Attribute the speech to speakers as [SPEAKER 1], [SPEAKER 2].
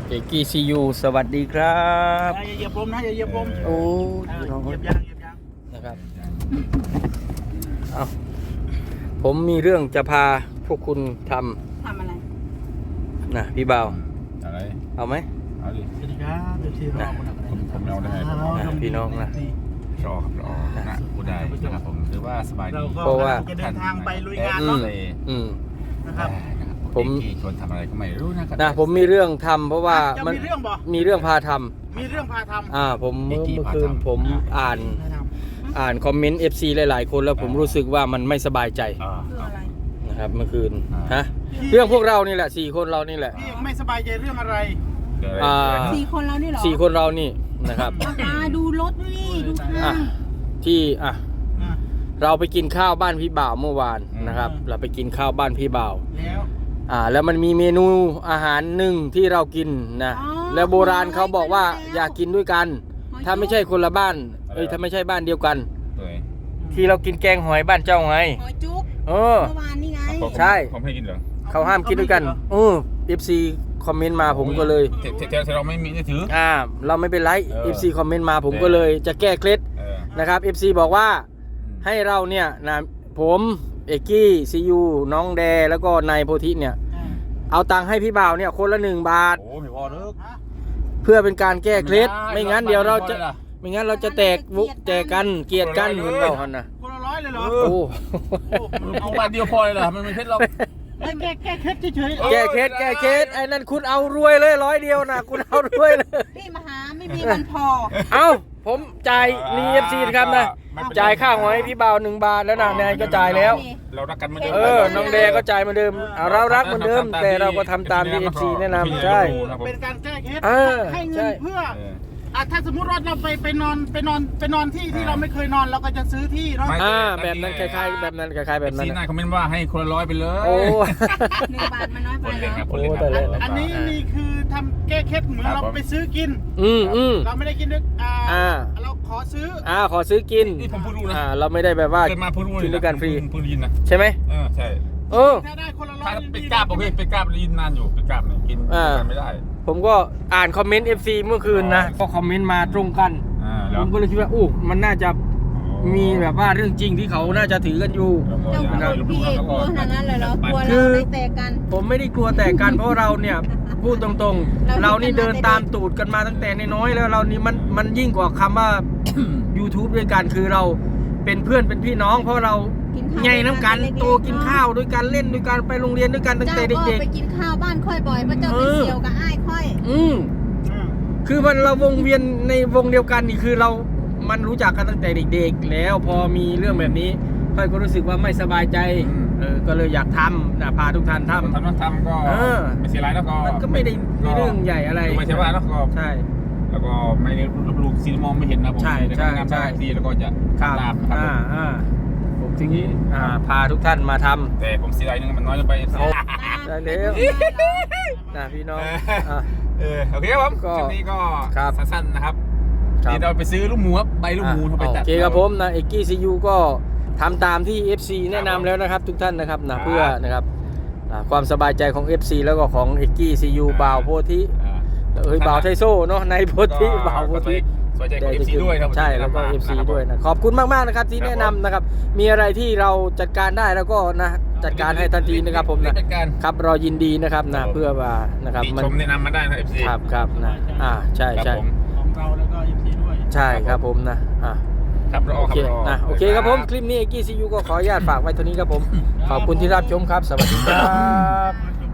[SPEAKER 1] เอกกี้ซียูสวัสดีครับ
[SPEAKER 2] อย่าเหยียบลมนะอย่าเหยียบลม
[SPEAKER 1] โอ้
[SPEAKER 2] เหยียบยางเหยียบยาง
[SPEAKER 1] นะครับเอาผมมีเรื่องจะพาพวกคุณท
[SPEAKER 3] ทำอะไร
[SPEAKER 1] ำนะพี่บ่าว
[SPEAKER 4] อะไร
[SPEAKER 1] เอาไหม
[SPEAKER 4] เอาดิ
[SPEAKER 2] สวัสดีครับเดี๋ยวที่เรา
[SPEAKER 4] ผมเอาได้
[SPEAKER 1] พี่น้องนะ
[SPEAKER 4] รอครับรอนะพูดได้นะครับผมถือว่าสบายดี
[SPEAKER 2] เราก็
[SPEAKER 1] เพราะว่า
[SPEAKER 2] จะเดินทางไปลุยงาน
[SPEAKER 1] อื
[SPEAKER 2] เนาะ
[SPEAKER 1] มอืม
[SPEAKER 2] นะครับ
[SPEAKER 1] ผม
[SPEAKER 4] ชวนทำอะไรก็ไม่รู้นะครับ
[SPEAKER 1] นะผมมีเรื่องทำเพราะว่า
[SPEAKER 2] จะ
[SPEAKER 1] มัน
[SPEAKER 2] มีเรื่องบ่
[SPEAKER 1] มีเรื่องพาท
[SPEAKER 2] มีเรื่องพาทำ
[SPEAKER 1] ำผมเมื่อคืนผมอ่านคอมเมนต์ FC หลายๆคนแล้วผมรู้สึกว่ามันไม่สบายใจ
[SPEAKER 3] คืออะไร
[SPEAKER 1] นะครับเมื่อคืนฮะเรื่องพวกเรานี่แหละ4 คนเรานี่แหละ
[SPEAKER 2] พี่ไม่สบายใจเรื่องอะไร
[SPEAKER 3] สี่คนแล้วนี่เหรอ
[SPEAKER 1] 4 คนเรานี่นะครับ
[SPEAKER 3] ตาดูรถนี่ดูทา
[SPEAKER 1] อ่ะ
[SPEAKER 3] ง
[SPEAKER 1] ที่
[SPEAKER 2] อ่ะ
[SPEAKER 1] เราไปกินข้าวบ้านพี่บ่าวเมื่อวานนะครับ เราไปกินข้าวบ้านพี่บ่าว
[SPEAKER 2] แล้ว
[SPEAKER 1] แล้วมันมีเมนูอาหารหนึ่งที่เรากินนะแล้วโบราณเขาบอกว่าอยากกินด้วยกัน ถ้าไม่ใช่คนละบ้านถ้าไม่ใช่บ้านเดียวกัน ที่เรากินแกงหอยบ้านเจ้าไง
[SPEAKER 3] หอยจุ๊บ
[SPEAKER 1] เออ
[SPEAKER 3] เมื่อวานนี่ไง
[SPEAKER 1] ใช่
[SPEAKER 4] ผมให้กินเหรอ
[SPEAKER 1] เขาห้ามกินด้วยกันFC คอมเมนต์มาผมก็เลย
[SPEAKER 4] แต่เราไม่มีถือ
[SPEAKER 1] เราไม่เป็นไร FC คอมเมนต์มาผมก็เลยจะแก้เคล็ดนะครับ FC บอกว่าให้เราเนี่ยนะผมเอกกี้ซียูน้องแดแล้วก็นายโพธิเนี่ยเอาตังค์ให้พี่บ่าวเนี่ยคนละ1 บาท
[SPEAKER 4] โอ้ไม่พอเลิก
[SPEAKER 1] เพื่อเป็นการแก้เคล็ดไม่งั้นเดี๋ยวเราจะแตกวุแตกกันเกลียดกันเหมือนเราหันนะ
[SPEAKER 2] คนละร้อยเลยเหรอ
[SPEAKER 1] โอ้
[SPEAKER 4] เอาบาทเดียวพอเลยเหรอมันไม่เพชรเรา
[SPEAKER 2] แก้เคล็ดเฉย
[SPEAKER 1] แก้เคล็ดไอ้นั่นคุณเอารวยเลย100 เดียวนะคุณเอารวยเลย
[SPEAKER 3] พี่มาหาไม่มีวันพอ
[SPEAKER 1] เอ้าผมจ่ายนี่ FC นะครับนะจ่ายค่าหอยพี่บ่าว1 บาทแล้วนายก็จ่ายแล้ว
[SPEAKER 4] เรารักกันเหมือนเดิม
[SPEAKER 1] น้องแดก็จ่ายเหมือนเดิมเรารักเหมือนเดิม แต่เราก็ทำตามที่ FC แนะนำใช่
[SPEAKER 2] ๆเป็นการแก้เคล็ด ให้เงิ
[SPEAKER 1] ใช่
[SPEAKER 2] นเพื่อถ้าสมมุติว่าเราไปนอนที่เราไม่เคยนอนเราก็จะซื้อที่เนาะ
[SPEAKER 1] แบบนั้นคล้ายๆแบบนั้นคล้ายๆแบบนั้น
[SPEAKER 4] ซีน่าคอมเมนต์ว่าให้คนละ100ไปเลย
[SPEAKER 1] โอ้
[SPEAKER 3] 1 บาทมันน้อยไปเหรอ
[SPEAKER 1] โอ้แต่ละ
[SPEAKER 2] อันนี้นี่คือทำแก้เคล็ดเหมือนเราไปซื้อกิน เราไม่ได้กินด้วยเราขอซื้อ
[SPEAKER 1] ขอซื้อกิน
[SPEAKER 4] นี่ผมพูดรู้นะ
[SPEAKER 1] เราไม่ได้แบบว่า
[SPEAKER 4] เกิดมาพูดรู้
[SPEAKER 1] กินด้วยกันฟรี
[SPEAKER 4] พูดยินนะ
[SPEAKER 1] ใช่ไหม
[SPEAKER 4] ใช่
[SPEAKER 2] ถ้าได้คนละร้อ
[SPEAKER 4] ถ้าย เป็นกราบโอเคเป็นกราบยินนานอยู่เป็นกราบเนี่ยกินกันไม่ได้
[SPEAKER 1] ผมก็อ่านคอมเมนต์ FC เมื่อคืนนะก็คอมเมนต์มาตรงกันผมก็เลยคิดว่ามันน่าจะมีแบบว่าเรื่องจริงที่เขาน่าจะถือกันอยู่
[SPEAKER 3] เจ้าคุณพี่เอกกลัวขนาดนั้นเลยเหรอกลัวเราเลยแตกกัน
[SPEAKER 1] ผมไม่ได้กลัวแต่กันเพราะเราเนี่ยพูดตรงๆ เรานี่เดินตามตูดกันมาตั้งแต่น้อยๆแล้วเรานี่มันยิ่งกว่าคำว่า YouTube ด้วยกันคือเราเป็นเพื่อนเป็นพี่น้อง เพราะเราไงน้ำกันโตกินข้าวด้วยกันเล่นด้วยกันไปโรงเรียนด้วยกันตั้งแต่เด็ก
[SPEAKER 3] เจ้าก็ไปกินข้าวบ้านค่อยบ่อยเพราะเจ้าไปเสี่ยวกับอ้ายค่อย
[SPEAKER 1] คือมันเราวงเวียนในวงเดียวกันนี่คือมันรู้จักกันตั้งแต่เด็กๆแล้วพอมีเรื่องแบบนี้ค่อยก็รู้สึกว่าไม่สบายใจก็เลยอยากทำนะพาทุกท่านทำ
[SPEAKER 4] ก็ไม่เสียไรแล้วก็
[SPEAKER 1] มันก็ไม่ได้เรื่องใหญ่อะไร
[SPEAKER 4] ไม่ใช่ว่าแล้วก็
[SPEAKER 1] ใช่
[SPEAKER 4] แล้วก็ไม่ได้ลูกซีมองไม่เห็นนะผม
[SPEAKER 1] ใช่
[SPEAKER 4] ทีแล้วก็จะ
[SPEAKER 1] ครับ
[SPEAKER 4] ตามครับ
[SPEAKER 1] ผมทีนี้พาทุกท่านมาทำ
[SPEAKER 4] แต่ผมเสียไรนึงมันน้อยลงไป
[SPEAKER 1] ได้แล้วนะพี่น้อง
[SPEAKER 4] โอเคครับผม
[SPEAKER 1] ก็
[SPEAKER 4] คลิปนี้ก็
[SPEAKER 1] ครับ
[SPEAKER 4] สั้นๆนะครับนี่เราไปซื้อลูกหมูครับใบลูกหมูไปตัด
[SPEAKER 1] โอเคครับผมนะเอกกี้ซียูก็ทำตามที่ FC แนะนำแล้วนะครับทุกท่านนะครับนะเพื่อนะครับความสบายใจของ FC แล้วก็ของเอกกี้ซียูบ่าวโพธิบ่าวไทโซ่เนาะในโพธิบ่าวโพธิ
[SPEAKER 4] สนใจของ FC ด้วยครับ
[SPEAKER 1] ใช่แล้วก็ FC ด้วยนะขอบคุณมากๆนะครับที่แนะนำนะครับมีอะไรที่เราจัดการได้แล้วก็นะจัดการให้ทันทีนะครับผมนะครับเรายินดีนะครับนะเพื่อว่านะครับ
[SPEAKER 4] ชมแนะนำมาได้นะ FC
[SPEAKER 1] ครับนะใช่
[SPEAKER 2] ของเราแล้วก็ยินดีด้วย
[SPEAKER 1] ใช่ครับผมนะครับ
[SPEAKER 4] รอ
[SPEAKER 1] โอ
[SPEAKER 4] ค
[SPEAKER 1] เครับ
[SPEAKER 4] รอ
[SPEAKER 1] โอเคครับผมคลิปนี้เอกกี้ซียูก็ขออนุญาตฝากไว้เท่านี้ครับผมขอบคุณที่รับชมครับสวัสดีครับ